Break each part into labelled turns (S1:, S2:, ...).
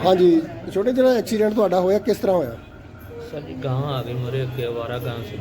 S1: हाँ जी छोटे जो एक्सीडेंट ਤੁਹਾਡਾ ਹੋਇਆ ਕਿਸ ਤਰ੍ਹਾਂ ਹੋਇਆ?
S2: सर जी गां आ गई मेरे अगे आवारा गां से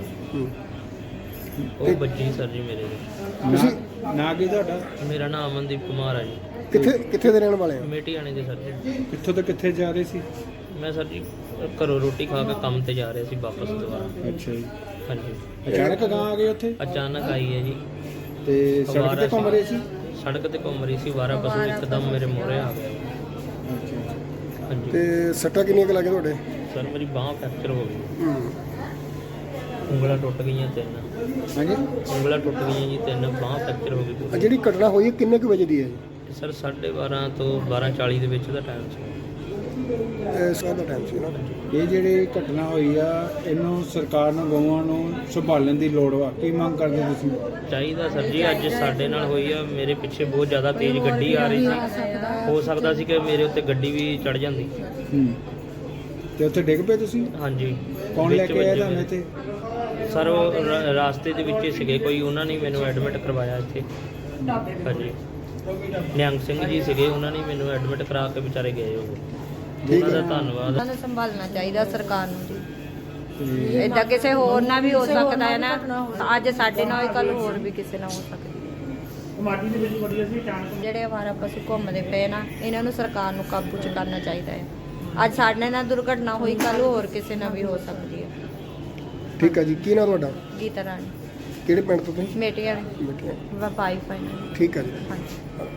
S2: वो बच्ची सर जी मेरे
S1: ਤੁਸੀਂ
S3: ਨਾ ਕੀ ਤੁਹਾਡਾ?
S2: मेरा नाम अमनदीप कुमार है जी।
S1: ਕਿੱਥੇ ਦੇ ਰਹਿਣ ਵਾਲੇ ਹੋ?
S2: मेटी आने दे सर जी।
S3: ਕਿੱਥੋਂ ਤੋਂ ਕਿੱਥੇ ਜਾ ਰਹੇ ਸੀ?
S2: मैं सर जी घरों रोटी खा के काम ते जा रहे थे वापस दोबारा।
S3: ਅੱਛਾ ਜੀ।
S2: हाँ जी
S3: ਅਚਾਨਕ ਗਾਂ ਆ ਗਏ ਉੱਥੇ
S2: अचानक आई है जी।
S3: ਤੇ ਸੜਕ ਤੇ ਘੁੰਮ ਰਹੇ ਸੀ?
S2: सड़क ते घूम रही सी वारा पशु एकदम मेरे मोहरे आ गया। हाँ जी
S1: ਤੇ ਸੱਟਾਂ ਕਿੰਨੀਆਂ ਕੁ ਲੱਗੇ ਤੁਹਾਡੇ?
S2: सर मेरी बांह फ्रैक्चर हो गई, ਉਂਗਲਾਂ ਟੁੱਟ ਗਈਆਂ ਤਿੰਨ।
S3: ਹਾਂਜੀ।
S2: ਉਂਗਲਾਂ ਟੁੱਟ ਗਈਆਂ ਜੀ ਤਿੰਨ, ਬਾਂਹ ਫ੍ਰੈਕਚਰ ਹੋ ਗਈ।
S1: ਆ ਜਿਹੜੀ ਘਟਨਾ ਹੋਈ ਹੈ ਕਿੰਨੇ ਕੁ ਵਜੇ ਦੀ ਹੈ ਜੀ?
S2: ਸਰ 12:30 ਤੋਂ 12:40 ਦੇ ਵਿੱਚ ਦਾ ਟਾਈਮ ਸੀ।
S1: ਸਵੇਰ ਦਾ ਟਾਈਮ ਸੀ ਨਾ।
S3: ਇਹ ਜਿਹੜੀ ਘਟਨਾ ਹੋਈ ਆ ਇਹਨੂੰ ਸਰਕਾਰ ਨੂੰ ਗਊਆਂ ਨੂੰ ਸੰਭਾਲਣ ਦੀ ਲੋੜ ਵਾ, ਕੀ ਮੰਗ ਕਰਦੇ ਤੁਸੀਂ?
S2: ਚਾਹੀਦਾ ਸਰ ਜੀ, ਅੱਜ ਸਾਡੇ ਨਾਲ ਹੋਈ ਆ। ਮੇਰੇ ਪਿੱਛੇ ਬਹੁਤ ਜ਼ਿਆਦਾ ਤੇਜ਼ ਗੱਡੀ ਆ ਰਹੀ ਸੀ, ਹੋ ਸਕਦਾ ਸੀ ਕਿ ਮੇਰੇ ਉੱਤੇ ਗੱਡੀ ਵੀ ਚੜ ਜਾਂਦੀ।
S3: ਤੇ ਉੱਥੇ ਡਿੱਗ ਪਏ ਤੁਸੀਂ?
S2: ਹਾਂਜੀ।
S3: ਕੌਣ ਲੈ
S2: ਵਿੱਚ
S3: ਕੇ ਆਇਆ
S2: ਵੱਜੇ
S3: ਤੁਹਾਨੂੰ ਇੱਥੇ?
S2: ਸਰ ਉਹ ਰਾਸਤੇ ਦੇ ਵਿੱਚ ਹੀ ਸੀਗੇ ਕੋਈ, ਉਹਨਾਂ ਨੇ ਮੈਨੂੰ ਐਡਮਿਟ ਕਰਵਾਇਆ ਇੱਥੇ। ਹਾਂਜੀ ਨਿਹੰਗ ਸਿੰਘ ਜੀ ਸੀਗੇ, ਉਹਨਾਂ ਨੇ ਮੈਨੂੰ ਐਡਮਿਟ ਕਰਾ ਕੇ ਵਿਚਾਰੇ ਗਏ। ਉਹ ਉਹਨਾਂ ਦਾ ਧੰਨਵਾਦ।
S4: ਉਹਨਾਂ ਨੂੰ ਸੰਭਾਲਣਾ ਚਾਹੀਦਾ ਸਰਕਾਰ ਨੂੰ ਜੀ। ਇਦਾਂ ਕਿਸੇ ਹੋਰ ਨਾਲ ਵੀ ਹੋ ਸਕਦਾ ਹੈ ਨਾ, ਅੱਜ ਸਾਡੇ ਨਾਲ ਹੋਈ ਕੱਲ ਹੋਰ ਵੀ ਕਿਸੇ ਨਾਲ ਹੋ ਸਕਦੀ ਹੈ। ਜਿਹੜੇ ਅਵਾਰਾ ਪਸ਼ੂ ਘੁੰਮਦੇ ਪਏ ਨਾ, ਇਹਨਾਂ ਨੂੰ ਸਰਕਾਰ ਨੂੰ ਕਾਬੂ 'ਚ ਕਰਨਾ ਚਾਹੀਦਾ ਹੈ। ਅੱਜ ਸਾਡੇ ਨਾਲ ਦੁਰਘਟਨਾ ਹੋਈ, ਕੱਲ ਹੋਰ ਕਿਸੇ ਨਾਲ ਵੀ ਹੋ ਸਕਦੀ ਹੈ।
S1: ਠੀਕ ਹੈ ਜੀ, ਕੀ ਨਾਮ ਤੁਹਾਡਾ?
S4: ਗੀਤਾ ਰਾਣੀ,
S1: ਕਿਹੜੇ ਪਿੰਡ ਤੋਂ ਤੁਸੀਂ?
S4: ਮੇਟੀਆਂ
S1: ਬੇਟੀਆਂ।
S4: ਵਾਈਫ ਹੈ।
S1: ਠੀਕ ਹੈ ਜੀ।
S4: ਹਾਂਜੀ।